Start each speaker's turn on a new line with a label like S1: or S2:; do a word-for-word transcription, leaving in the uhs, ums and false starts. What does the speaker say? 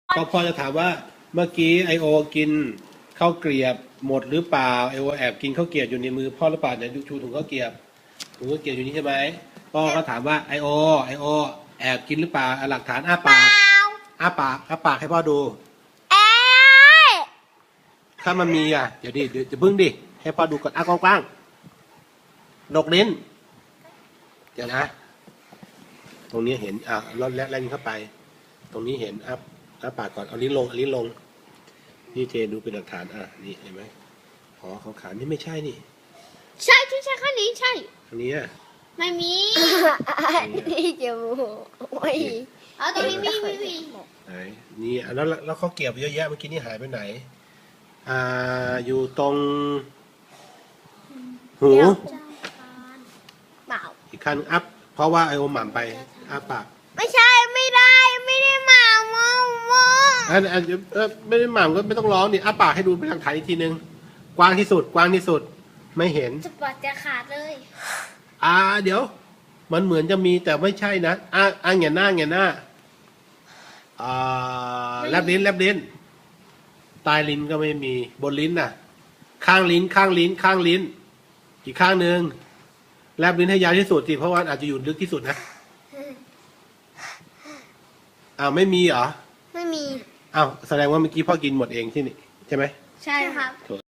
S1: ก็พ่อจะถามว่าเมื่อกี้ไอโอกินข้าวเกรียบหมดหรือเปล่าไอโอแอบกินข้าวเกรียบอยู่ในมือพ่อหรือเปล่าเนี่ยดูชูถุงข้าวเกรียบถุงข้าวเกรียบอยู่นี่ใช่ไหมพ่อก็ถามว่าไอโอไอโอแอบกินหรือเปล่าเอาหลักฐานอ้าปากอ้าปากอ้าปากให้พ่อดูถ้ามันมีอ่ะเดี๋ยวดิเดี๋ยวจะพึ่งดิให้พ่อดูก่อนอ้ากว้างๆดกลิ้นเดี๋ยวนะตรงนี้เห็นอ่ะลดและแล่นเข้าไปตรงนี้เห็นอ้าอ้าปากก่อนเอาลิ้นลงเอาลิ้นลงนี่เจดูเป็นหลักฐานอ่ะนี่เห็นไหมอ๋อของขานี่ไม่ใช่นี่
S2: ใช่ที่ใช่ข้างนี้ใช่
S1: อันนี้อ่ะ
S2: ไม่มี
S3: นี่จมูกไม่
S2: เอาตรงนี้มีมีมี
S1: ไหนนี่แล้วแล้วเขาเก็บเยอะแยะเมื่อกี้นี่หายไปไหนอ่าอยู่ตรงหู
S2: เปล่า
S1: อีกขั้นอัพเพราะว่าไอโอหม่ำไปอ้าปาก
S2: ไม่ใช่ไม่ได้ไม่ได้หมาโมโม
S1: อันอันเออไม่ได้หม่ำก็ไม่ต้องร้องดิอ้าปากให้ดูเป็นหลักฐานอีกทีนึงกว้างที่สุดกว้างที่สุดไม่เห็น
S2: จะปอดจะขาดเลย
S1: อ่าเดี๋ยวมันเหมือนจะมีแต่ไม่ใช่นะอ่าอ่าเงียหน้าเงียหน้าอ่าแลบลิ้นแลบลิ้นใต้ลิ้นก็ไม่มีบนลิ้นน่ะข้างลิ้นข้างลิ้นข้างลิ้นอีกข้างหนึ่งแลบลิ้นให้ยาวที่สุดสิเพราะว่าอาจจะอยู่ลึกที่สุดนะอ้าวไม่มีเหรอ
S2: ไม่มี
S1: อ้าวแสดงว่าเมื่อกี้พ่อกินหมดเองที่นี่ใช่ไหม
S2: ใช่ครับ